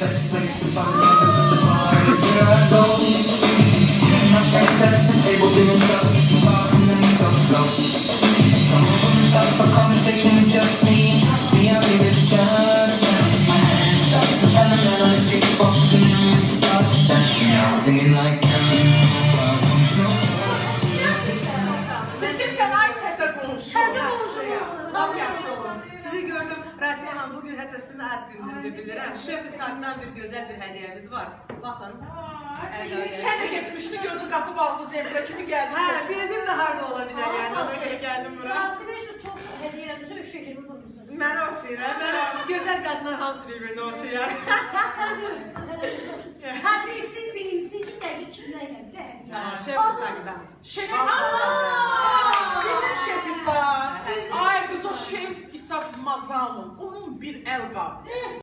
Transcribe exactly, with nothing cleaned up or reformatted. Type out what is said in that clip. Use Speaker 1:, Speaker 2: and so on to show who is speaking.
Speaker 1: best place to find love is at the bar. Is where I go. My friends set the table to themselves, apart from them so slow. Come over and start up a conversation with just me. Trust me, I'll give it a chance. Stop pretending that I'm a big boss and then we start dancing out, singing like Kelly. Welcome show.
Speaker 2: Sizin fena təsər olmuşsunuz.
Speaker 3: Təzə olmuşsunuz.
Speaker 2: Tam yaxşı olun. Sizi gördüm. Rəsmi xanım, bugün hətta sizin ad gününüzdür bilirəm. Şef saatdan bir gözəl bir hədiyəmiz var. Baxın.
Speaker 4: Sen de geçmişti gördün kapı bağlı zevkle kimi geldin.
Speaker 2: Hə, bildim də harda ola bilər yəni. Ona görə gəldim bura.
Speaker 3: Rasime şu top hediyemizi üç şeklini vurmuşsunuz.
Speaker 2: Mənə oxşayır, mən gözəl qadınlar hamısı bir-birinə oxşayır.
Speaker 3: Sen görürsün. Her birisi bilinsin ki dergi kimlerle bile.
Speaker 2: Şef saatdan.
Speaker 4: Şef
Speaker 3: Aa!
Speaker 4: bizim şef İsa. Ay kız o şef İsa Mazamın. Onun bir el kabı.